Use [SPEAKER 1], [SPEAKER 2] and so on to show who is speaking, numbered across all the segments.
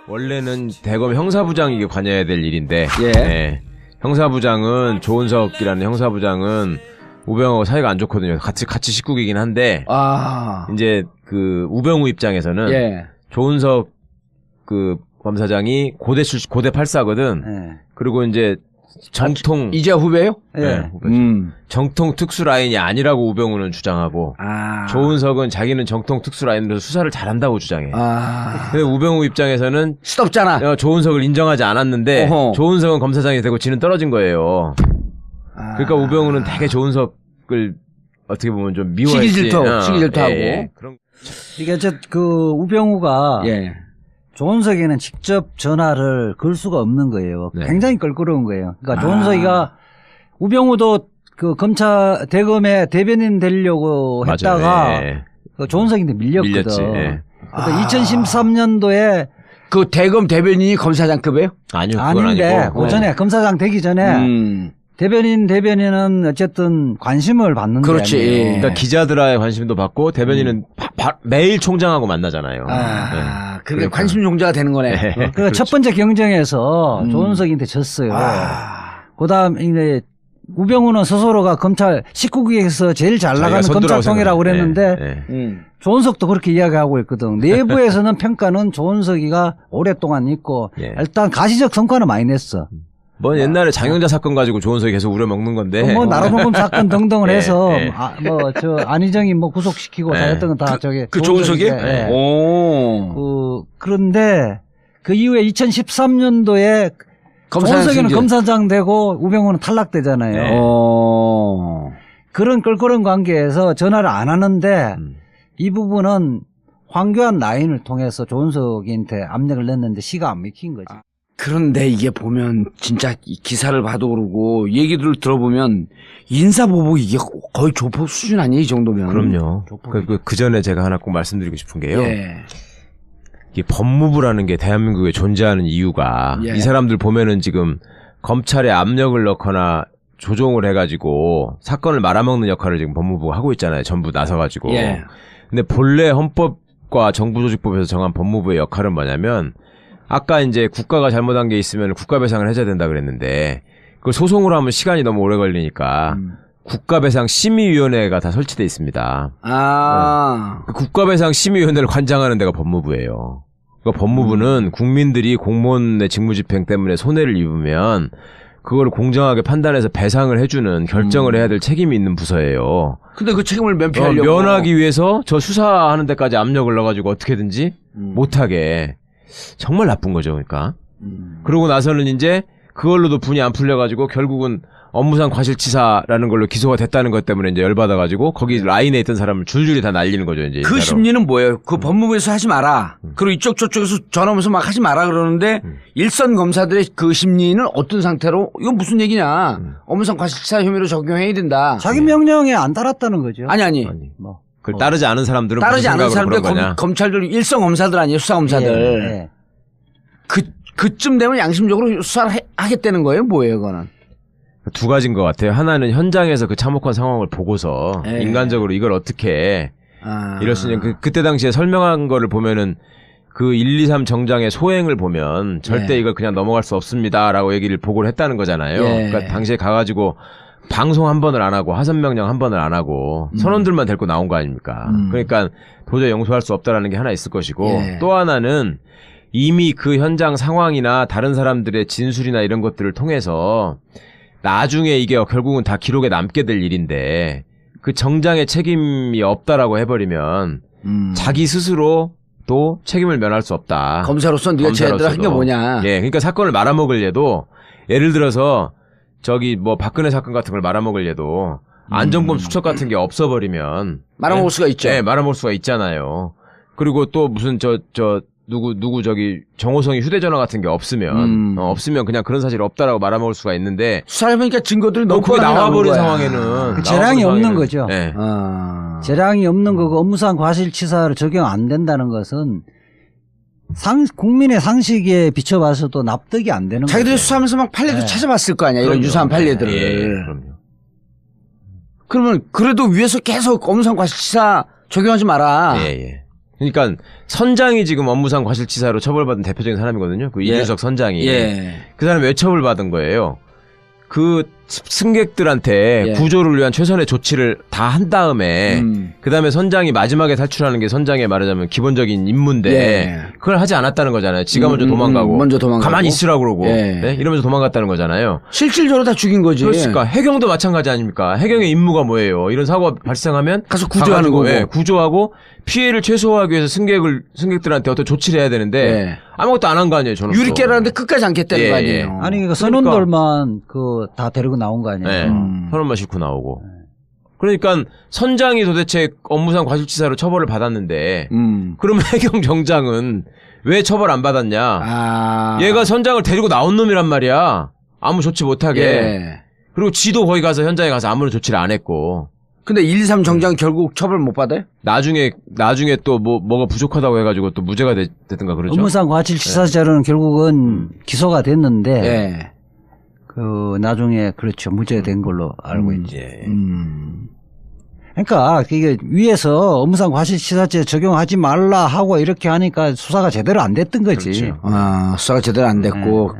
[SPEAKER 1] 원래는 대검 형사부장이 관여해야 될 일인데,
[SPEAKER 2] 예.
[SPEAKER 1] 네. 형사부장은 조은석이라는 형사부장은 우병우하고 사이가 안 좋거든요. 같이 식구이긴 한데, 이제 그 우병우 입장에서는
[SPEAKER 2] 예.
[SPEAKER 1] 조은석 그 검사장이 고대 84거든.
[SPEAKER 2] 예.
[SPEAKER 1] 그리고 이제 정통
[SPEAKER 2] 이제 후배요?
[SPEAKER 1] 네, 정통 특수 라인이 아니라고 우병우는 주장하고 조은석은 자기는 정통 특수 라인으로 수사를 잘한다고 주장해. 근데 우병우 입장에서는
[SPEAKER 2] 시덥잖아.
[SPEAKER 1] 조은석을 인정하지 않았는데
[SPEAKER 2] 어허.
[SPEAKER 1] 조은석은 검사장이 되고 지는 떨어진 거예요. 그러니까 우병우는 되게 조은석을 어떻게 보면 좀 미워했지.
[SPEAKER 2] 시기질투하고.
[SPEAKER 1] 그런.
[SPEAKER 3] 이게 그 우병우가
[SPEAKER 2] 예.
[SPEAKER 3] 조은석이는 직접 전화를 걸 수가 없는 거예요.
[SPEAKER 1] 네.
[SPEAKER 3] 굉장히 껄끄러운 거예요. 그러니까 조은석이가 우병우도 그 대검에 대변인 되려고 했다가
[SPEAKER 1] 네.
[SPEAKER 3] 그 조은석인데 밀렸거든.
[SPEAKER 1] 밀렸지. 네.
[SPEAKER 3] 그러니까 2013년도에
[SPEAKER 2] 그 대검 대변인이 검사장급이에요?
[SPEAKER 1] 아니요, 그건
[SPEAKER 3] 아닌데
[SPEAKER 1] 아니고.
[SPEAKER 3] 그 전에 검사장 되기 전에 대변인은 어쨌든 관심을 받는 거예요.
[SPEAKER 2] 그렇지.
[SPEAKER 1] 그러니까 기자들의 관심도 받고 대변인은 매일 총장하고 만나잖아요.
[SPEAKER 2] 그게
[SPEAKER 1] 그러니까.
[SPEAKER 2] 관심 종자가 되는 거네.
[SPEAKER 1] 네.
[SPEAKER 3] 그러니까
[SPEAKER 1] 그렇죠.
[SPEAKER 3] 첫 번째 경쟁에서 조은석한테 졌어요. 그다음 이제 우병우는 스스로가 검찰 19기에서 제일 잘 나가는 검찰통이라고 그랬는데 조은석도 그렇게 이야기하고 있거든. 내부에서는 평가는 조은석이가 오랫동안 있고 일단 가시적 성과는 많이 냈어.
[SPEAKER 1] 뭐 옛날에 장영자 사건 가지고 조은석이 계속 우려먹는 건데.
[SPEAKER 3] 뭐 나라봉금 사건 등등을 해서 안희정이 뭐 구속시키고 다 했던 건 다 저게
[SPEAKER 2] 그 조은석이?
[SPEAKER 3] 그런데 그 이후에 2013년도에 조은석이는 검사장 되고 우병우는 탈락되잖아요. 그런 껄끄러운 관계에서 전화를 안 하는데 이 부분은 황교안 라인을 통해서 조은석한테 압력을 냈는데 시가 안 먹힌 거지.
[SPEAKER 2] 그런데 이게 보면 진짜 기사를 봐도 그러고 얘기들을 들어보면 인사보복 이게 거의 조폭 수준 아니에요, 이 정도면.
[SPEAKER 1] 그럼요. 그 전에 제가 하나 꼭 말씀드리고 싶은 게요.
[SPEAKER 2] 예.
[SPEAKER 1] 이 법무부라는 게 대한민국에 존재하는 이유가 이 사람들 보면은 지금 검찰에 압력을 넣거나 조종을 해가지고 사건을 말아먹는 역할을 지금 법무부가 하고 있잖아요. 전부 나서가지고. 근데 본래 헌법과 정부조직법에서 정한 법무부의 역할은 뭐냐면 아까 이제 국가가 잘못한 게 있으면 국가배상을 해줘야 된다 그랬는데 그걸 소송으로 하면 시간이 너무 오래 걸리니까 국가배상 심의위원회가 다 설치돼 있습니다. 그 국가배상 심의위원회를 관장하는 데가 법무부예요. 그러니까 법무부는 국민들이 공무원의 직무집행 때문에 손해를 입으면 그걸 공정하게 판단해서 배상을 해주는 결정을 해야 될 책임이 있는 부서예요.
[SPEAKER 2] 근데 그 책임을 면피하려고.
[SPEAKER 1] 면하기 위해서 저 수사하는 데까지 압력을 넣어가지고 어떻게든지 못하게. 정말 나쁜 거죠, 그러니까. 그러고 나서는 이제 그걸로도 분이 안 풀려가지고 결국은 업무상 과실치사라는 걸로 기소가 됐다는 것 때문에 이제 열받아가지고 거기 라인에 있던 사람을 줄줄이 다 날리는 거죠, 이제.
[SPEAKER 2] 그 심리는 뭐예요? 그 법무부에서 하지 마라. 그리고 이쪽 저쪽에서 전화 오면서 막 하지 마라 그러는데 일선 검사들의 그 심리는 어떤 상태로 이건 무슨 얘기냐? 업무상 과실치사 혐의로 적용해야 된다.
[SPEAKER 3] 자기 명령에 안 따랐다는 거죠.
[SPEAKER 2] 아니.
[SPEAKER 3] 뭐.
[SPEAKER 1] 그걸 따르지 않은 사람들은
[SPEAKER 2] 따르지 않은 사람들
[SPEAKER 1] 거냐?
[SPEAKER 2] 검찰들 일선 검사들 아니에요, 수사 검사들. 그쯤 되면 양심적으로 수사를 하겠다는 거예요, 뭐예요, 그거는?
[SPEAKER 1] 두 가지인 것 같아요. 하나는 현장에서 그 참혹한 상황을 보고서 인간적으로 이걸 어떻게 이럴 수 있냐. 그때 당시에 설명한 거를 보면은 그 123 정장의 소행을 보면 절대 이걸 그냥 넘어갈 수 없습니다라고 얘기를 보고를 했다는 거잖아요. 그러니까 당시에 가가지고 방송 한 번을 안 하고 하선 명령 한 번을 안 하고 선원들만 데리고 나온 거 아닙니까? 그러니까 도저히 용서할 수 없다라는 게 하나 있을 것이고 또 하나는 이미 그 현장 상황이나 다른 사람들의 진술이나 이런 것들을 통해서 나중에 이게 결국은 다 기록에 남게 될 일인데 그 정장의 책임이 없다라고 해버리면 자기 스스로 또 책임을 면할 수 없다.
[SPEAKER 2] 검사로서 네가 제대로 한 게 뭐냐.
[SPEAKER 1] 그러니까 사건을 말아먹을 얘도 예를 들어서 저기 뭐 박근혜 사건 같은 걸 말아먹을 얘도 안정범 수첩 같은 게 없어버리면
[SPEAKER 2] 말아먹을 수가 있죠.
[SPEAKER 1] 말아먹을 수가 있잖아요. 그리고 또 무슨 누구 저기 정호성이 휴대전화 같은 게 없으면 없으면 그냥 그런 사실이 없다라고 말아먹을 수가 있는데
[SPEAKER 2] 수사해보니까 증거들이 너무
[SPEAKER 1] 그게 나와버린 상황에는
[SPEAKER 3] 그 재량이 없는 거죠. 재량이 없는 거고 업무상 과실치사를 적용 안 된다는 것은 국민의 상식에 비춰봐서도 납득이 안 되는 거죠.
[SPEAKER 2] 자기들이 수사하면서 막 판례도 찾아봤을 거 아니야. 이런 유사한 판례들을.
[SPEAKER 1] 그럼요.
[SPEAKER 2] 그러면 그래도 위에서 계속 업무상 과실치사 적용하지 마라.
[SPEAKER 1] 그러니까 선장이 지금 업무상 과실치사로 처벌받은 대표적인 사람이거든요. 그 이준석 선장이. 그 사람이 왜 처벌받은 거예요? 그 승객들한테 구조를 위한 최선의 조치를 다 한 다음에 그다음에 선장이 마지막에 탈출하는 게 선장의 말하자면 기본적인 임무인데 그걸 하지 않았다는 거잖아요. 지가 먼저 도망가고 가만히 있으라고 그러고 네? 이러면서 도망갔다는 거잖아요.
[SPEAKER 2] 실질적으로 다 죽인 거지.
[SPEAKER 1] 그렇습니까? 해경도 마찬가지 아닙니까? 해경의 임무가 뭐예요? 이런 사고가 발생하면
[SPEAKER 2] 가서 구조하는 거고.
[SPEAKER 1] 구조하고 피해를 최소화하기 위해서 승객들한테 어떤 조치를 해야 되는데 아무것도 안 한 거 아니에요. 저는
[SPEAKER 2] 유리 깨라는데 끝까지 안 깼다는 거 아니에요.
[SPEAKER 3] 아니 그 선원들만 그 다 데리고 나온 거 아니에요.
[SPEAKER 1] 선원만 싣고 나오고. 그러니까 선장이 도대체 업무상 과실치사로 처벌을 받았는데 그러면 해경 정장은 왜 처벌 안 받았냐? 얘가 선장을 데리고 나온 놈이란 말이야. 아무 조치 못하게. 그리고 지도 거기 가서 현장에 가서 아무런 조치를 안 했고.
[SPEAKER 2] 근데 1, 2, 3 정장 결국 처벌 못 받아요?
[SPEAKER 1] 나중에 또 뭐가 부족하다고 해가지고 또 무죄가 됐든가 그러죠.
[SPEAKER 3] 업무상 과실치사죄로는 결국은 기소가 됐는데 그 나중에 그렇죠 무죄된 걸로 알고 있지. 그러니까 이게 위에서 업무상 과실치사죄 적용하지 말라 하고 이렇게 하니까 수사가 제대로 안 됐던 거지.
[SPEAKER 1] 그렇죠.
[SPEAKER 2] 수사가 제대로 안 됐고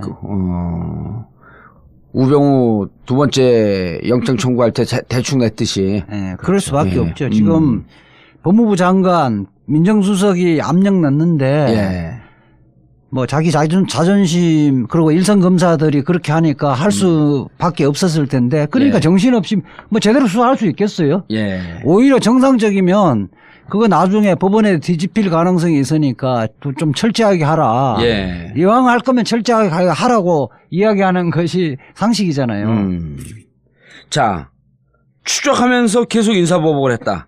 [SPEAKER 2] 우병우 두 번째 영장 청구할 때 대충 냈듯이.
[SPEAKER 3] 그럴 수밖에 없죠. 지금 법무부 장관 민정수석이 압력 넣는데 뭐 자기 자존심 그리고 일선 검사들이 그렇게 하니까 할 수밖에 없었을 텐데 그러니까 정신없이 뭐 제대로 수사할 수 있겠어요? 오히려 정상적이면 그거 나중에 법원에 뒤집힐 가능성이 있으니까 좀 철저하게 하라. 이왕 할 거면 철저하게 하라고 이야기하는 것이 상식이잖아요.
[SPEAKER 2] 자, 추적하면서 계속 인사보복을 했다.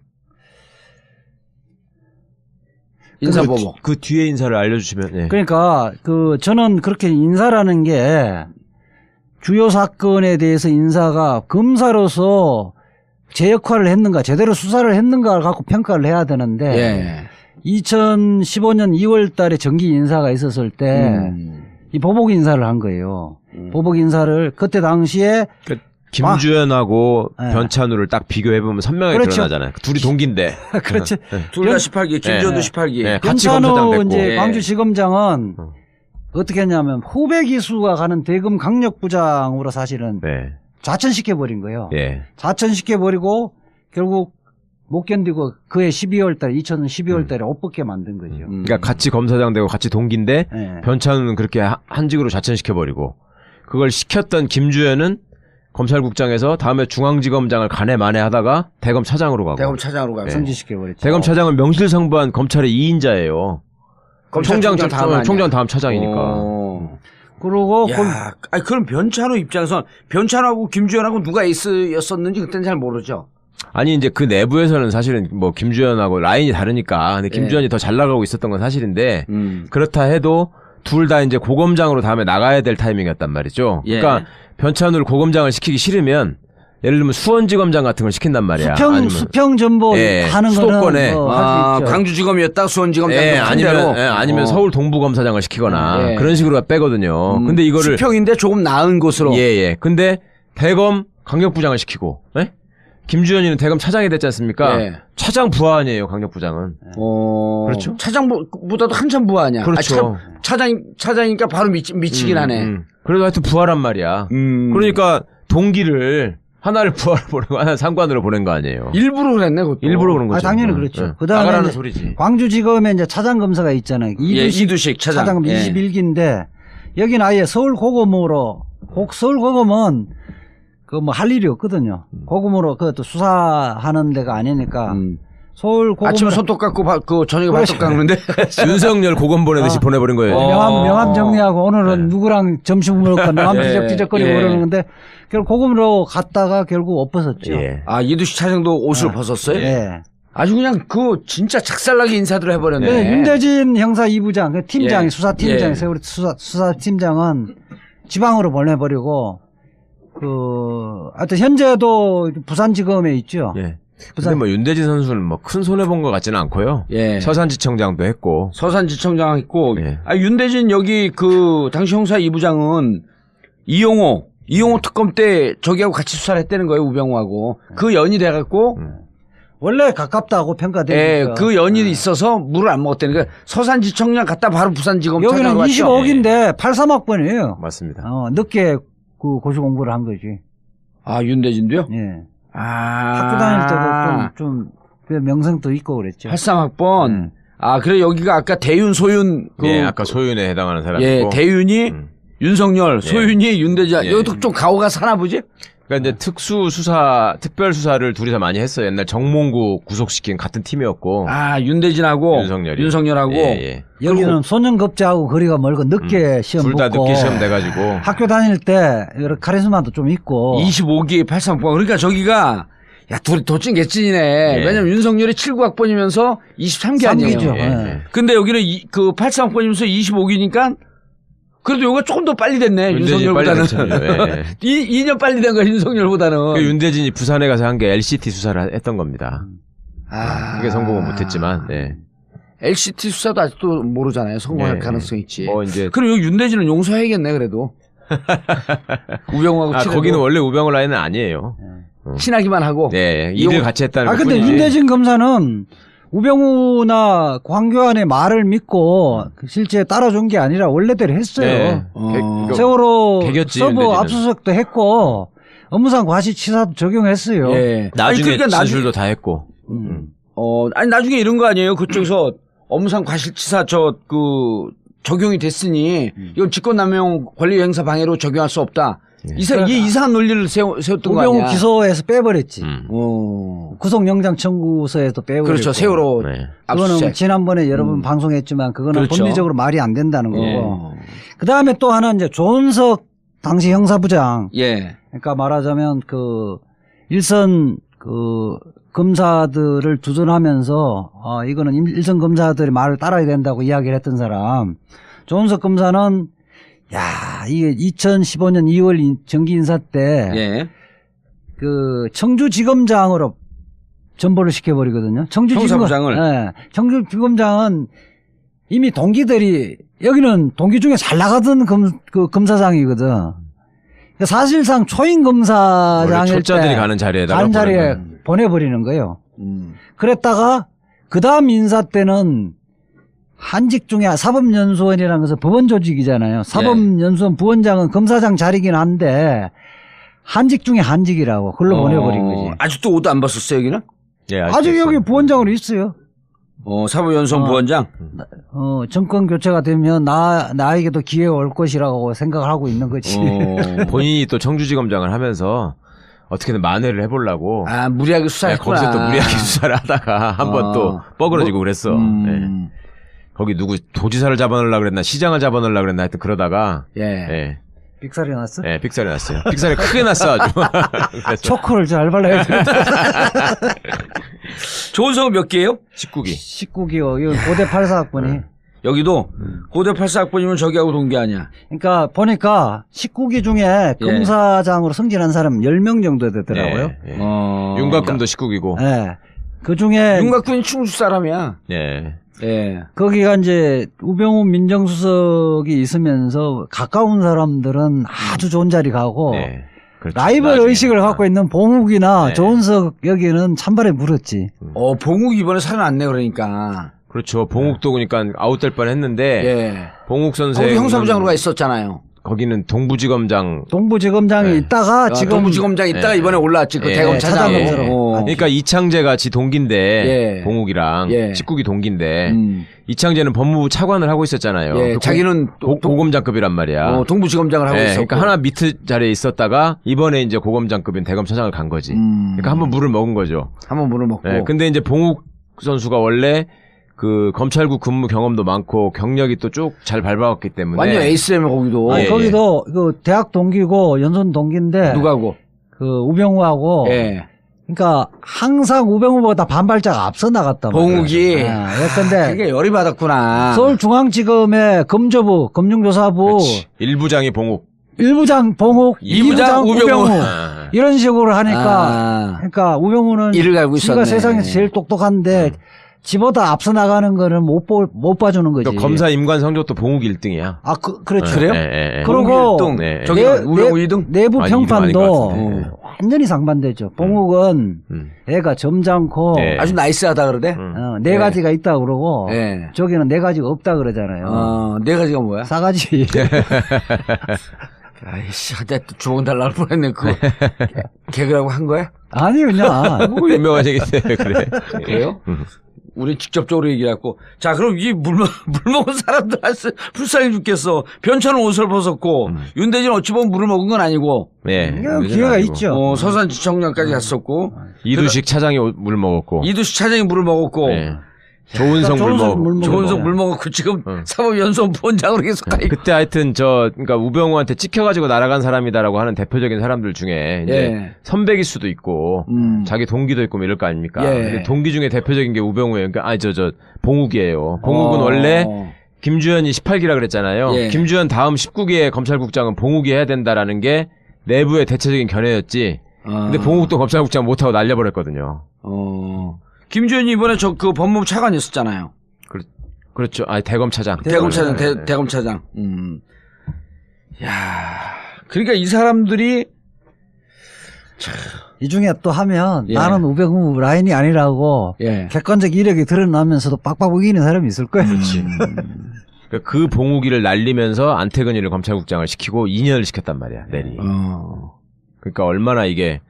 [SPEAKER 2] 인사보복.
[SPEAKER 1] 그 뒤에 인사를 알려주시면.
[SPEAKER 3] 그러니까 저는 그렇게 인사라는 게 주요 사건에 대해서 인사가 검사로서 제 역할을 했는가 제대로 수사를 했는가를 갖고 평가를 해야 되는데 2015년 2월 달에 정기 인사가 있었을 때 이 보복 인사를 한 거예요. 보복 인사를 그때 당시에
[SPEAKER 1] 김주현하고 변찬우를 딱 비교해보면 선명하게 드러나잖아요. 둘이 동기인데.
[SPEAKER 3] 그렇죠.
[SPEAKER 2] 둘 다 18기, 김주현도 18기.
[SPEAKER 1] 같이 검사장 됐고.
[SPEAKER 3] 이제 광주지검장은 어떻게 했냐면 후배 기수가 가는 대검 강력부장으로 사실은 좌천시켜버린 거예요. 좌천시켜버리고 결국 못 견디고 그해 12월 달에 2012월 달에 옷 벗게 만든 거죠.
[SPEAKER 1] 그러니까 같이 검사장 되고 같이 동기인데 변찬우는 그렇게 한직으로 좌천시켜버리고 그걸 시켰던 김주현은 검찰국장에서 다음에 중앙지검장을 간에 만에 하다가 대검 차장으로 가고.
[SPEAKER 2] 대검 차장으로 가고.
[SPEAKER 3] 승진시켜버렸죠.
[SPEAKER 1] 대검 차장은 명실상부한 검찰의 2인자예요. 총장 다음 차장이니까.
[SPEAKER 3] 그러고
[SPEAKER 2] 그럼 변찬호 입장에서 변찬호하고 김주현하고 누가 에이스였었는지 그때는 잘 모르죠.
[SPEAKER 1] 아니 이제 그 내부에서는 사실은 뭐 김주현하고 라인이 다르니까 근데 김주현이 더 잘 나가고 있었던 건 사실인데 그렇다 해도 둘 다 이제 고검장으로 다음에 나가야 될 타이밍이었단 말이죠. 그러니까 변찬우를 고검장을 시키기 싫으면 예를 들면 수원지검장 같은 걸 시킨단 말이야.
[SPEAKER 3] 수평 전보 하는
[SPEAKER 1] 수도권에
[SPEAKER 3] 거는
[SPEAKER 2] 광주지검이었다 수원지검장
[SPEAKER 1] 아니면 서울 동부검사장을 시키거나 그런 식으로 빼거든요. 근데 이거를
[SPEAKER 2] 수평인데 조금 나은 곳으로.
[SPEAKER 1] 근데 대검 강력부장을 시키고. 김주현이는 대검 차장이 됐지 않습니까? 차장 부하 아니에요, 강력부장은. 그렇죠?
[SPEAKER 2] 차장보다도 한참 부하 아니야.
[SPEAKER 1] 그렇죠.
[SPEAKER 2] 차장이니까 바로 미치긴 하네.
[SPEAKER 1] 그래도 하여튼 부하란 말이야. 그러니까 동기를 하나를 부하로 보내고 하나를 상관으로 보낸 거 아니에요.
[SPEAKER 2] 일부러 그랬네, 그것도.
[SPEAKER 1] 일부러 그런 거죠.
[SPEAKER 3] 당연히 그렇죠.
[SPEAKER 1] 그다음에 소리지.
[SPEAKER 3] 광주지검에 이제 차장검사가 있잖아요.
[SPEAKER 2] 이두식 차장.
[SPEAKER 3] 21기인데 여기는 아예 서울고검으로 서울고검은 그 뭐 할 일이 없거든요. 고검으로 그것도 수사하는 데가 아니니까 서울고검
[SPEAKER 2] 아침에 손톱 깎고 저녁에 발톱 깎는데
[SPEAKER 1] 윤석열 고검 보내듯이 보내버린 거예요.
[SPEAKER 3] 명함 정리하고 오늘은 누구랑 점심 먹고 명함 지적거리고 그러는데 결국 고검으로 갔다가 결국 옷 벗었죠.
[SPEAKER 2] 이두식 차장도 옷을 벗었어요? 아주 그냥 진짜 작살나게 인사들을 해버렸네.
[SPEAKER 3] 윤대진 형사 2부장 팀장이 수사팀장이 세월이 수사팀장은 지방으로 보내버리고 하여튼 현재도 부산지검에 있죠.
[SPEAKER 1] 근데 뭐 윤대진 선수는 뭐 큰 손해 본 것 같지는 않고요. 서산지청장도 했고.
[SPEAKER 2] 서산지청장 했고. 윤대진 여기 당시 형사 2부장은 이용호 특검 때 저기하고 같이 수사를 했다는 거예요, 우병우하고. 그 연이 돼갖고
[SPEAKER 3] 원래 가깝다고 평가되니까.
[SPEAKER 2] 예, 그 연이 있어서 물을 안 먹었다니까. 서산지청장 갔다 바로 부산지검
[SPEAKER 3] 여기는
[SPEAKER 2] 찾아갔죠.
[SPEAKER 3] 25억인데 83학번이에요.
[SPEAKER 1] 맞습니다.
[SPEAKER 3] 늦게 그 고시 공부를 한 거지.
[SPEAKER 2] 아, 윤대진도요?
[SPEAKER 3] 예.
[SPEAKER 2] 아.
[SPEAKER 3] 학교 다닐 때도 좀 명성도 있고 그랬죠.
[SPEAKER 2] 83학번. 아, 그래 여기가 아까 대윤, 소윤.
[SPEAKER 1] 예, 아까 소윤에 해당하는 사람이고.
[SPEAKER 2] 예, 대윤이 윤석열, 소윤이 윤대진. 여기도 좀 가오가 사나 보지?
[SPEAKER 1] 그러니까 이제 특별 수사를 둘이서 많이 했어요. 옛날 정몽구 구속시킨 같은 팀이었고.
[SPEAKER 2] 아, 윤대진하고 윤석열하고.
[SPEAKER 1] 예.
[SPEAKER 3] 여기는 소년급제하고 거리가 멀고 늦게 시험
[SPEAKER 1] 둘 다
[SPEAKER 3] 붙고
[SPEAKER 1] 늦게 시험 돼가지고.
[SPEAKER 3] 학교 다닐 때 여러 카리스마도 좀 있고
[SPEAKER 2] 25기 83학번. 그러니까 저기가 야, 둘이 도찐개찐이네.
[SPEAKER 1] 예.
[SPEAKER 2] 왜냐면 윤석열이 79학번이면서 23기 아니에요.
[SPEAKER 3] 3기죠.
[SPEAKER 1] 예.
[SPEAKER 2] 근데 여기는 그 83학번이면서 25기니까 그래도 요거 조금 더 빨리 됐네. 윤석열보다는. 2년 빨리 된 거야, 윤석열보다는.
[SPEAKER 1] 그 윤대진이 부산에 가서 한 게 LCT 수사를 했던 겁니다.
[SPEAKER 2] 아.
[SPEAKER 1] 그게 성공은 못했지만, 네.
[SPEAKER 2] LCT 수사도 아직도 모르잖아요. 성공할
[SPEAKER 1] 예.
[SPEAKER 2] 가능성이 있지.
[SPEAKER 1] 이제.
[SPEAKER 2] 그리고 여기 윤대진은 용서해야겠네, 그래도. 우병우하고 친하고.
[SPEAKER 1] 거기는 원래 우병우 라인은 아니에요.
[SPEAKER 2] 친하기만 하고.
[SPEAKER 1] 네. 일을 같이 했다는
[SPEAKER 3] 근데
[SPEAKER 1] 뿐이지.
[SPEAKER 3] 윤대진 검사는 우병우나 황교안의 말을 믿고 실제 따라준 게 아니라 원래대로 했어요.
[SPEAKER 1] 네.
[SPEAKER 3] 세월호
[SPEAKER 1] 개겼지,
[SPEAKER 3] 서부
[SPEAKER 1] 윤대진은.
[SPEAKER 3] 압수수색도 했고 업무상 과시치사도 적용했어요.
[SPEAKER 2] 예.
[SPEAKER 1] 나중에
[SPEAKER 2] 그러니까
[SPEAKER 1] 진술도 다 했고.
[SPEAKER 2] 아니, 나중에 이런 거 아니에요. 그쪽에서 업무상 과실치사 적용이 됐으니 이건 직권남용 권리행사 방해로 적용할 수 없다. 이게 이상한 논리를 세웠던 거 아니야.
[SPEAKER 3] 우병우 기소에서 빼버렸지. 구속영장 청구서에도 빼버렸고.
[SPEAKER 2] 그렇죠. 세월호
[SPEAKER 1] 네.
[SPEAKER 3] 그거는
[SPEAKER 2] 압수수색.
[SPEAKER 3] 지난번에 여러 번 방송했지만 그거는
[SPEAKER 2] 그렇죠.
[SPEAKER 3] 법리적으로 말이 안 된다는 거고. 그 다음에 또 하나 이제 조은석 당시 형사부장.
[SPEAKER 2] 예.
[SPEAKER 3] 그러니까 말하자면 일선 검사들을 두둔하면서 이거는 일선 검사들의 말을 따라야 된다고 이야기를 했던 사람. 조은석 검사는 이게 2015년 2월 정기 인사 때
[SPEAKER 2] 예.
[SPEAKER 3] 청주지검장으로 전보를 시켜버리거든요.
[SPEAKER 2] 형사부장을.
[SPEAKER 3] 네. 청주지검장은 이미 동기들이 여기는 동기 중에 잘 나가던 검사장이거든. 그러니까 사실상 초임 검사장일 때
[SPEAKER 1] 초짜들이 가는 자리에
[SPEAKER 3] 보내버리는 거예요. 그랬다가 그 다음 인사 때는 한직 중에 사법연수원이라는 것은 법원 조직이잖아요. 사법연수원 부원장은 검사장 자리긴 한데 한직 중에 한직이라고 그걸로 보내버린 거지.
[SPEAKER 2] 아직도 옷도 안 벗었어요, 여기는?
[SPEAKER 1] 예,
[SPEAKER 3] 아직 여기 부원장으로 있어요.
[SPEAKER 2] 사법연수원 부원장?
[SPEAKER 3] 정권 교체가 되면 나에게도 기회가 올 것이라고 생각을 하고 있는 거지.
[SPEAKER 1] 본인이 또 청주지검장을 하면서 어떻게든 만회를 해보려고.
[SPEAKER 2] 무리하게 수사했구나.
[SPEAKER 1] 거기서 또 무리하게 수사를 하다가 한번 또 뻐그러지고 그랬어. 네. 거기 누구 도지사를 잡아넣으려고 그랬나 시장을 잡아넣으려고 그랬나 하여튼 그러다가.
[SPEAKER 2] 예.
[SPEAKER 3] 빅살이 났어?
[SPEAKER 1] 네, 빅살이 났어요. 빅살이 크게 났어 아주.
[SPEAKER 3] 초코를 잘 발라야 돼.
[SPEAKER 2] 조은석은 몇 개예요?
[SPEAKER 1] 19기.
[SPEAKER 3] 19기요. 이거 고대 84학번이.
[SPEAKER 2] 여기도 고대 84학번이면 저기하고 동기 아니야.
[SPEAKER 3] 그러니까 보니까 19기 중에 검사장으로 승진한 사람 10명 정도 되더라고요.
[SPEAKER 1] 윤곽금도 19기고.
[SPEAKER 3] 네. 그 중에
[SPEAKER 2] 윤곽군이 충주 사람이야.
[SPEAKER 1] 예.
[SPEAKER 2] 예.
[SPEAKER 3] 거기가 이제 우병우 민정수석이 있으면서 가까운 사람들은 아주 좋은 자리 가고
[SPEAKER 1] 네. 그렇죠.
[SPEAKER 3] 라이벌 의식을 갖고 있는 봉욱이나 조은석 여기는 찬발에 물었지.
[SPEAKER 2] 봉욱 이번에 살아났네 그러니까.
[SPEAKER 1] 그렇죠. 봉욱도 그러니까 아웃될 뻔했는데 봉욱 선생
[SPEAKER 2] 거기 형사부장으로 가 있었잖아요.
[SPEAKER 1] 거기는 동부지검장이
[SPEAKER 3] 있다가 지금
[SPEAKER 2] 동부지검장 있다가 이번에 올라왔지 그 대검 차장으로.
[SPEAKER 1] 그러니까 이창재 같이 동기인데 봉욱이랑 19기 동기인데 이창재는 법무부 차관을 하고 있었잖아요.
[SPEAKER 2] 자기는
[SPEAKER 1] 고검장급이란 말이야.
[SPEAKER 2] 동부지검장을 하고 있었고.
[SPEAKER 1] 그러니까 하나 밑에 자리에 있었다가 이번에 이제 고검장급인 대검차장을 간 거지. 그러니까 한번 물을 먹은 거죠.
[SPEAKER 2] 한번 물을 먹고.
[SPEAKER 1] 근데 이제 봉욱 선수가 원래 그 검찰국 근무 경험도 많고 경력이 또 쭉 잘 밟아왔기 때문에
[SPEAKER 2] 완전 에이스라며 거기도.
[SPEAKER 3] 거기도 그 대학 동기고 연선 동기인데
[SPEAKER 2] 누가고?
[SPEAKER 3] 그 우병우하고. 그러니까 항상 우병우보다 반발자가 앞서 나갔단 말이야.
[SPEAKER 2] 봉욱이.
[SPEAKER 3] 근데
[SPEAKER 2] 그게 열이 받았구나.
[SPEAKER 3] 서울중앙지검의 검조부, 검증조사부.
[SPEAKER 1] 그렇지. 1부장이 봉욱.
[SPEAKER 3] 1부장 봉욱,
[SPEAKER 2] 2부장 우병우.
[SPEAKER 3] 이런 식으로 하니까. 그러니까 우병우는
[SPEAKER 2] 이를 갈고 있었네.
[SPEAKER 3] 지가 세상에서 제일 똑똑한데 지보다 앞서 나가는 거는 못 봐주는 거지.
[SPEAKER 1] 검사 임관 성적도 봉욱 1등이야.
[SPEAKER 3] 그렇죠.
[SPEAKER 2] 그래요?
[SPEAKER 3] 그리고
[SPEAKER 2] 저기 우병우 2등?
[SPEAKER 3] 내부 평판도 완전히 상반되죠. 봉욱은 애가 점잖고
[SPEAKER 2] 아주 나이스하다 그러대.
[SPEAKER 3] 네 가지가 있다 그러고 저기는 네 가지가 없다 그러잖아요.
[SPEAKER 2] 네 가지가 뭐야?
[SPEAKER 3] 싸가지.
[SPEAKER 2] 아이씨, 내가 주먹 달라고 뻔했네. 그거 개그라고 한 거야?
[SPEAKER 3] 아니 그냥
[SPEAKER 1] 뭐 유명한 얘기 때문에 그래.
[SPEAKER 2] 그래요? 우리 직접적으로 얘기했고. 자, 그럼 이 물 먹은 사람들 불쌍해 죽겠어. 변천은 옷을 벗었고, 윤대진 어찌 보면 물을 먹은 건 아니고.
[SPEAKER 1] 네.
[SPEAKER 3] 기회가 있죠.
[SPEAKER 2] 서산지청량까지 갔었고.
[SPEAKER 1] 이두식 차장이 물 먹었고.
[SPEAKER 2] 이두식 차장이 물을 먹었고.
[SPEAKER 1] 네. 조은석
[SPEAKER 2] 물 먹었고 지금 사법연수원본장으로 계속 가 있고.
[SPEAKER 1] 그때 하여튼 그러니까 우병우한테 찍혀가지고 날아간 사람이다라고 하는 대표적인 사람들 중에 이제 선배일 수도 있고 자기 동기도 있고 뭐 이럴 거 아닙니까? 근데 동기 중에 대표적인 게 우병우예요. 그러니까 봉욱이에요. 봉욱은 원래 김주현이 18기라 그랬잖아요. 김주현 다음 19기의 검찰국장은 봉욱이 해야 된다라는 게 내부의 대체적인 견해였지. 근데 봉욱도 검찰국장 못하고 날려버렸거든요.
[SPEAKER 2] 김주현이 이번에 그 법무부 차관이었었잖아요.
[SPEAKER 1] 그렇죠. 대검차장.
[SPEAKER 2] 대검차장. 야, 그러니까 이 사람들이
[SPEAKER 3] 이 중에 또 하면 나는 우병우 라인이 아니라고 객관적 이력이 드러나면서도 빡빡 우기는 사람이 있을 거예요.
[SPEAKER 1] 그렇지. 그 봉우기를 날리면서 안태근이를 검찰국장을 시키고 2년을 시켰단 말이야. 내리. 그러니까 얼마나 이게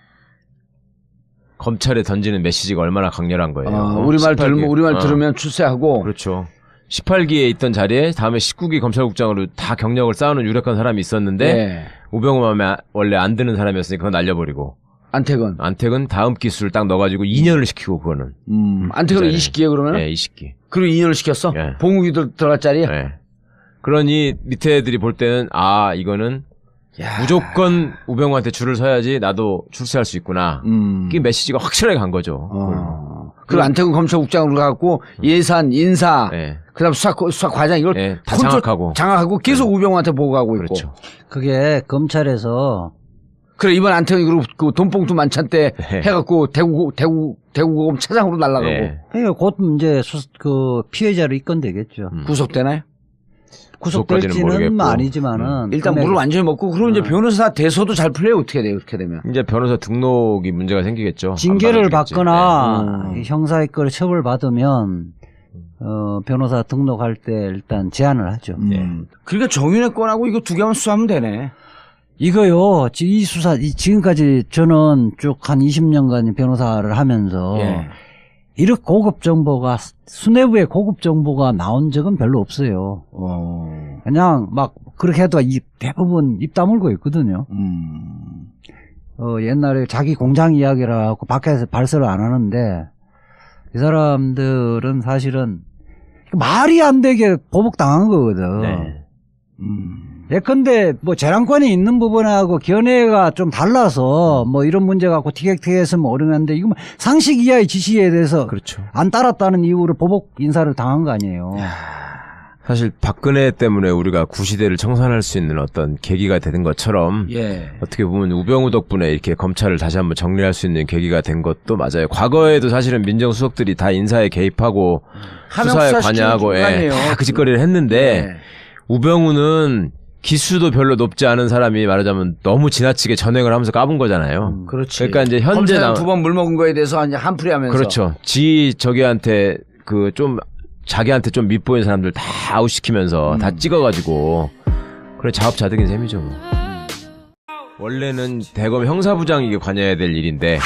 [SPEAKER 1] 검찰에 던지는 메시지가 얼마나 강렬한 거예요.
[SPEAKER 2] 우리말 들으면 출세하고.
[SPEAKER 1] 그렇죠. 18기에 있던 자리에 다음에 19기 검찰국장으로 다 경력을 쌓아놓은 유력한 사람이 있었는데 우병우 마음에 원래 안 드는 사람이었으니까 그거 날려버리고. 안태근 다음 기수를 딱 넣어가지고 2년을 시키고 그거는.
[SPEAKER 2] 안태근은 20기에 그러면?
[SPEAKER 1] 네, 20기.
[SPEAKER 2] 그리고 2년을 시켰어? 봉욱이도 들어갈 자리에?
[SPEAKER 1] 네. 그러니 밑에 애들이 볼 때는 이거는 무조건 우병우한테 줄을 서야지 나도 출세할 수 있구나. 그게 메시지가 확실하게 간 거죠.
[SPEAKER 2] 그리고 안태근 검찰국장으로 가고 예산, 인사, 그다음 수사 과장 이걸
[SPEAKER 1] 다 장악하고
[SPEAKER 2] 계속 우병우한테 보고하고 있고.
[SPEAKER 1] 그렇죠.
[SPEAKER 3] 그게 검찰에서
[SPEAKER 2] 그래 이번 안태근이 그리고 그 돈봉투 만찬 때 해갖고 대구고검 차장으로 날라가고.
[SPEAKER 3] 곧 이제 그 피해자로 입건되겠죠.
[SPEAKER 2] 구속되나요?
[SPEAKER 3] 구속될지는 아니지만은
[SPEAKER 2] 일단 물을 완전히 먹고 그리고 이제 변호사 대소도 잘 풀려요. 어떻게 돼요? 그렇게 되면
[SPEAKER 1] 이제 변호사 등록이 문제가 생기겠죠.
[SPEAKER 3] 징계를 받거나 형사의 걸 처벌받으면 변호사 등록할 때 일단 제한을 하죠.
[SPEAKER 2] 그러니까 정윤회 건하고 이거 두 개만 수사하면 되네.
[SPEAKER 3] 이거요. 이 수사 지금까지 저는 쭉 한 20년간 변호사를 하면서 이렇게 고급 정보가 수뇌부의 고급 정보가 나온 적은 별로 없어요. 그냥 막 그렇게 해도 대부분 입 다물고 있거든요. 옛날에 자기 공장 이야기라 하고 밖에서 발설을 안 하는데 이 사람들은 사실은 말이 안 되게 보복당한 거거든. 예컨대 뭐 재량권이 있는 부분하고 견해가 좀 달라서 뭐 이런 문제 갖고 티격태격했으면 어려운데 이거 상식 이하의 지시에 대해서 안 따랐다는 이유로 보복 인사를 당한 거 아니에요.
[SPEAKER 1] 사실 박근혜 때문에 우리가 구시대를 청산할 수 있는 어떤 계기가 되는 것처럼 어떻게 보면 우병우 덕분에 이렇게 검찰을 다시 한번 정리할 수 있는 계기가 된 것도 맞아요. 과거에도 사실은 민정수석들이 다 인사에 개입하고 수사에 관여하고 다 그 짓거리를 했는데 우병우는 기수도 별로 높지 않은 사람이 말하자면 너무 지나치게 전횡을 하면서 까본 거잖아요.
[SPEAKER 2] 그렇지.
[SPEAKER 1] 그러니까 이제 현재
[SPEAKER 2] 두 번 물 먹은 거에 대해서 한풀이 하면서.
[SPEAKER 1] 그렇죠. 저기한테 자기한테 좀 밉보인 사람들 다 아웃시키면서 다 찍어가지고 그래 자업자득인 셈이죠. 뭐. 원래는 대검 형사부장이 이게 관여해야 될 일인데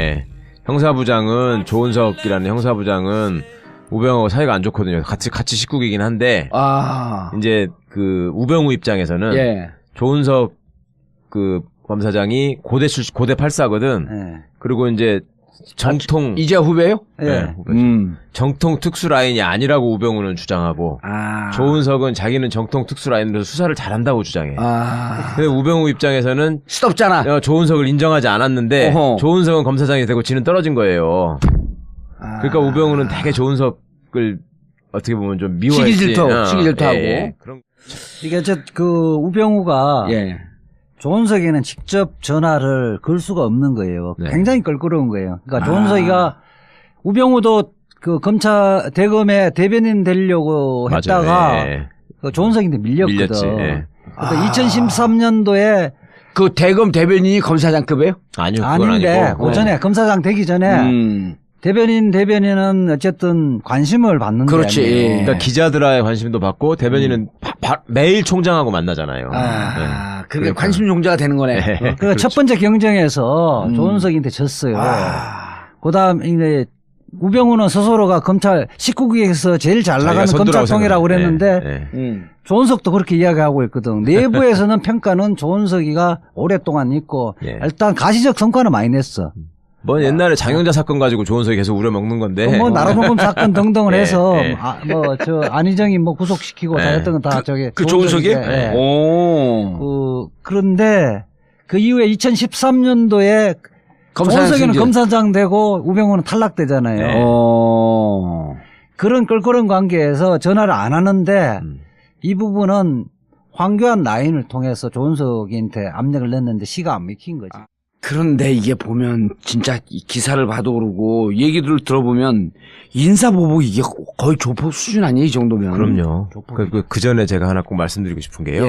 [SPEAKER 1] 형사부장은 조은석이라는 형사부장은 우병우하고 사이가 안 좋거든요. 같이 19기긴 한데 이제 그 우병우 입장에서는 조은석 그 검사장이 고대 8사거든. 그리고 이제 정통
[SPEAKER 2] 이제 후배요?
[SPEAKER 1] 정통 특수 라인이 아니라고 우병우는 주장하고 조은석은 자기는 정통 특수 라인으로 수사를 잘한다고 주장해. 근데 우병우 입장에서는
[SPEAKER 2] 시덥잖아.
[SPEAKER 1] 조은석을 인정하지 않았는데 조은석은 검사장이 되고 지는 떨어진 거예요. 그러니까 우병우는 되게 조은석을 어떻게 보면 좀 미워했지.
[SPEAKER 2] 시기질투하고.
[SPEAKER 3] 이게 그 우병우가 조은석이는 직접 전화를 걸 수가 없는 거예요. 굉장히 껄끄러운 거예요. 그러니까 조은석이가 우병우도 그 검찰 대검의 대변인 되려고 했다가 그 조은석인데 밀렸거든. 그러니까 2013년도에
[SPEAKER 2] 그 대검 대변인이 검사장급이에요?
[SPEAKER 1] 아니요, 그건
[SPEAKER 3] 아닌데
[SPEAKER 1] 아니고.
[SPEAKER 3] 그 전에 검사장 되기 전에 대변인은 어쨌든 관심을 받는 게
[SPEAKER 2] 그렇지.
[SPEAKER 3] 아니에요.
[SPEAKER 1] 그러니까 기자들의 관심도 받고 대변인은 매일 총장하고 만나잖아요.
[SPEAKER 2] 그게 관심 종자가 되는 거네.
[SPEAKER 3] 그
[SPEAKER 1] 그렇죠.
[SPEAKER 3] 첫 번째 경쟁에서 조은석한테 졌어요. 그다음 이제 우병우는 스스로가 검찰 19기에서 제일 잘 나가는 검찰통이라고 그랬는데 조은석도 그렇게 이야기하고 있거든. 내부에서는 평가는 조은석이가 오랫동안 있고 일단 가시적 성과는 많이 냈어.
[SPEAKER 1] 뭐 옛날에 장영자 사건 가지고 조은석이 계속 우려먹는 건데.
[SPEAKER 3] 뭐 나라봉금 사건 등등을 해서 안희정이 뭐 구속시키고 잘했던 건 다 저게
[SPEAKER 2] 그 조은석이?
[SPEAKER 3] 그런데 그 이후에 2013년도에 조은석이는 검사장 되고 우병우는 탈락되잖아요. 그런 껄끄러운 관계에서 전화를 안 하는데 이 부분은 황교안 라인을 통해서 조은석한테 압력을 냈는데 시가 안 먹힌 거지.
[SPEAKER 2] 그런데 이게 보면 진짜 기사를 봐도 그러고 얘기들을 들어보면 인사보복 이게 거의 조폭 수준 아니에요, 이 정도면.
[SPEAKER 1] 그럼요. 그 전에 제가 하나 꼭 말씀드리고 싶은 게요.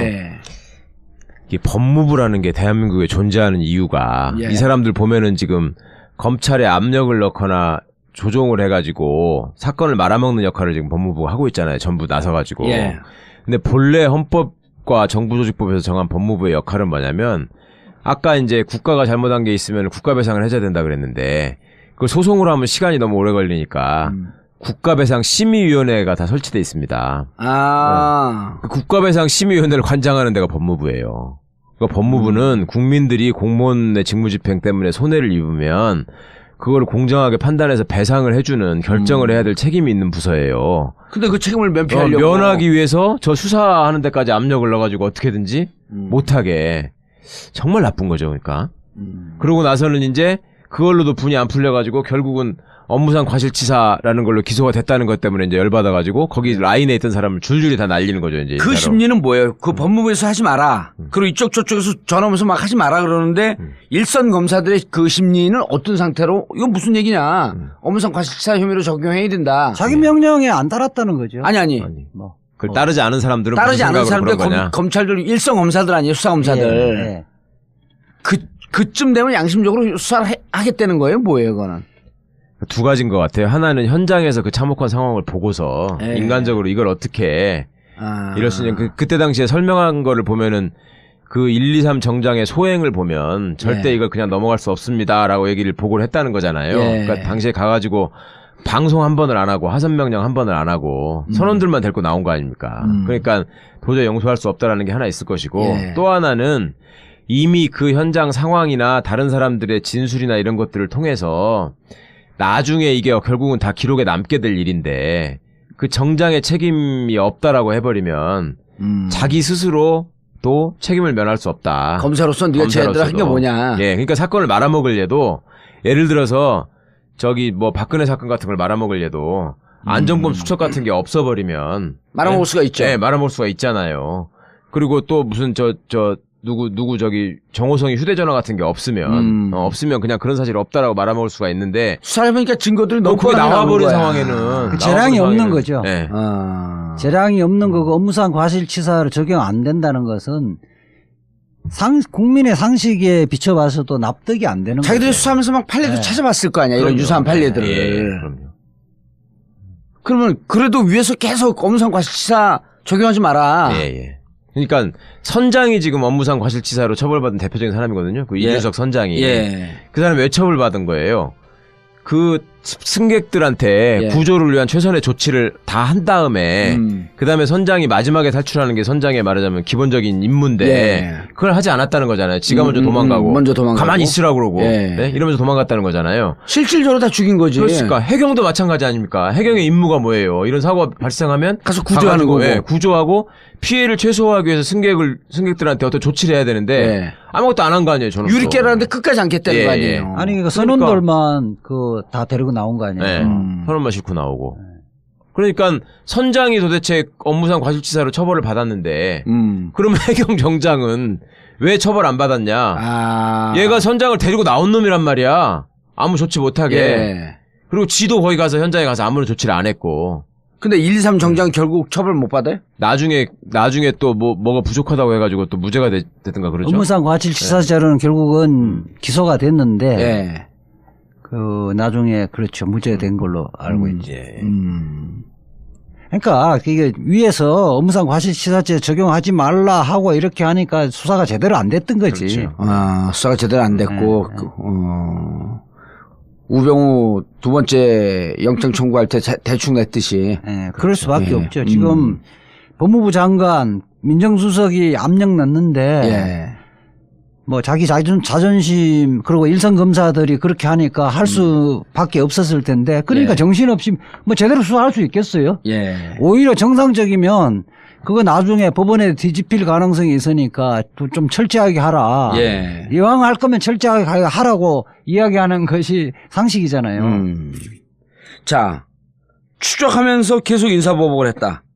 [SPEAKER 1] 이게 법무부라는 게 대한민국에 존재하는 이유가 이 사람들 보면은 지금 검찰에 압력을 넣거나 조종을 해가지고 사건을 말아먹는 역할을 지금 법무부가 하고 있잖아요. 전부 나서가지고. 근데 본래 헌법과 정부조직법에서 정한 법무부의 역할은 뭐냐면 아까 이제 국가가 잘못한 게 있으면 국가배상을 해줘야 된다 그랬는데 그걸 소송으로 하면 시간이 너무 오래 걸리니까 국가배상 심의위원회가 다 설치돼 있습니다. 그 국가배상 심의위원회를 관장하는 데가 법무부예요. 그러니까 법무부는 국민들이 공무원의 직무집행 때문에 손해를 입으면 그걸 공정하게 판단해서 배상을 해주는 결정을 해야 될 책임이 있는 부서예요.
[SPEAKER 2] 근데 그 책임을 면피하려고
[SPEAKER 1] 면하기 위해서 저 수사하는 데까지 압력을 넣어가지고 어떻게든지 못하게 정말 나쁜 거죠, 그러니까. 그러고 나서는 이제 그걸로도 분이 안 풀려가지고 결국은 업무상 과실치사라는 걸로 기소가 됐다는 것 때문에 이제 열받아가지고 거기 라인에 있던 사람을 줄줄이 다 날리는 거죠, 이제.
[SPEAKER 2] 그 심리는 뭐예요? 그 법무부에서 하지 마라. 그리고 이쪽 저쪽에서 전화 오면서 막 하지 마라 그러는데 일선 검사들의 그 심리는 어떤 상태로 이거 무슨 얘기냐? 업무상 과실치사 혐의로 적용해야 된다.
[SPEAKER 3] 자기 명령에 안 따랐다는 거죠.
[SPEAKER 2] 아니.
[SPEAKER 1] 그걸 따르지 않은 사람들은
[SPEAKER 2] 따르지 않은 사람들
[SPEAKER 1] 거냐?
[SPEAKER 2] 검찰들 일선 검사들 아니에요, 수사 검사들. 그쯤 되면 양심적으로 수사를 하겠다는 거예요, 뭐예요, 그거는?
[SPEAKER 1] 두 가지인 것 같아요. 하나는 현장에서 그 참혹한 상황을 보고서 인간적으로 이걸 어떻게 이럴 수 있냐. 그때 당시에 설명한 거를 보면은 그 123 정장의 소행을 보면 절대 이걸 그냥 넘어갈 수 없습니다라고 얘기를 보고를 했다는 거잖아요. 그러니까 당시에 가가지고 방송 한 번을 안 하고 하선 명령 한 번을 안 하고 선원들만 데리고 나온 거 아닙니까? 그러니까 도저히 용서할 수 없다라는 게 하나 있을 것이고 또 하나는 이미 그 현장 상황이나 다른 사람들의 진술이나 이런 것들을 통해서 나중에 이게 결국은 다 기록에 남게 될 일인데 그 정장의 책임이 없다라고 해버리면 자기 스스로 또 책임을 면할 수 없다.
[SPEAKER 2] 검사로서 네가 제대로 한 게 뭐냐.
[SPEAKER 1] 그러니까 사건을 말아먹을 얘도 예를 들어서 저기 뭐 박근혜 사건 같은 걸 말아먹을 얘도 안정범 수첩 같은 게 없어버리면
[SPEAKER 2] 말아먹을 수가 있죠.
[SPEAKER 1] 말아먹을 수가 있잖아요. 그리고 또 무슨 누구 저기 정호성이 휴대전화 같은 게 없으면 없으면 그냥 그런 사실이 없다라고 말아먹을 수가 있는데
[SPEAKER 2] 수사를 해보니까 증거들이 너무
[SPEAKER 1] 그게 나와버린 상황에는
[SPEAKER 3] 그 재량이 없는 거죠. 재량이 없는 거고 업무상 과실치사를 적용 안 된다는 것은 국민의 상식에 비춰봐서도 납득이 안 되는 거죠.
[SPEAKER 2] 자기들이 수사하면서 막 판례도 찾아봤을 거 아니야. 이런 유사한 판례들을.
[SPEAKER 1] 그럼요.
[SPEAKER 2] 그러면 그래도 위에서 계속 업무상 과실치사 적용하지 마라.
[SPEAKER 1] 그러니까 선장이 지금 업무상 과실치사로 처벌받은 대표적인 사람이거든요. 그 이준석 선장이. 그 사람이 왜 처벌받은 거예요? 그 승객들한테 구조를 위한 최선의 조치를 다 한 다음에 그 다음에 선장이 마지막에 탈출하는 게 선장의 말하자면 기본적인 임무인데 그걸 하지 않았다는 거잖아요. 지가 먼저 도망가고 가만히 있으라고 그러고 이러면서 도망갔다는 거잖아요.
[SPEAKER 2] 실질적으로 다 죽인 거지.
[SPEAKER 1] 그렇습니까? 해경도 마찬가지 아닙니까? 해경의 임무가 뭐예요? 이런 사고가 발생하면
[SPEAKER 2] 가서 구조하는 거고
[SPEAKER 1] 구조하고 피해를 최소화하기 위해서 승객들한테 어떤 조치를 해야 되는데 아무것도 안 한 거 아니에요. 저는
[SPEAKER 2] 유리깨라는데 끝까지 않겠다는 거 아니에요.
[SPEAKER 3] 아니 그러니까 선원들만 다 데리고 나온 거 아니에요.
[SPEAKER 1] 선원만 싣고 나오고. 그러니까 선장이 도대체 업무상 과실치사로 처벌을 받았는데 그러면 해경 정장은 왜 처벌 안 받았냐? 얘가 선장을 데리고 나온 놈이란 말이야. 아무 조치 못하게. 그리고 지도 거기 가서 현장에 가서 아무런 조치를 안 했고.
[SPEAKER 2] 근데 1, 2, 3 정장 결국 처벌 못 받아요?
[SPEAKER 1] 나중에 또 뭐가 부족하다고 해가지고 또 무죄가 됐든가 그러죠.
[SPEAKER 3] 업무상 과실치사죄로는 결국은 기소가 됐는데
[SPEAKER 2] 예.
[SPEAKER 3] 그 나중에 그렇죠 무죄된 걸로 알고 있지.
[SPEAKER 1] 예.
[SPEAKER 3] 그러니까 이게 위에서 업무상 과실치사죄 적용하지 말라 하고 이렇게 하니까 수사가 제대로 안 됐던 거지.
[SPEAKER 1] 그렇죠.
[SPEAKER 2] 아, 수사가 제대로 안 됐고 우병우 두 번째 영장 청구할 때 대충 냈듯이.
[SPEAKER 3] 네, 그럴 수밖에
[SPEAKER 2] 예.
[SPEAKER 3] 없죠. 지금 법무부 장관 민정수석이 압력 넣는데
[SPEAKER 2] 예.
[SPEAKER 3] 뭐 자기 자존심 그리고 일선 검사들이 그렇게 하니까 할 수밖에 없었을 텐데 그러니까
[SPEAKER 2] 예.
[SPEAKER 3] 정신없이 뭐 제대로 수사할 수 있겠어요?
[SPEAKER 2] 예.
[SPEAKER 3] 오히려 정상적이면 그거 나중에 법원에 뒤집힐 가능성이 있으니까 좀 철저하게 하라.
[SPEAKER 2] 예.
[SPEAKER 3] 이왕 할 거면 철저하게 하라고 이야기하는 것이 상식이잖아요.
[SPEAKER 2] 자, 추적하면서 계속 인사보복을 했다.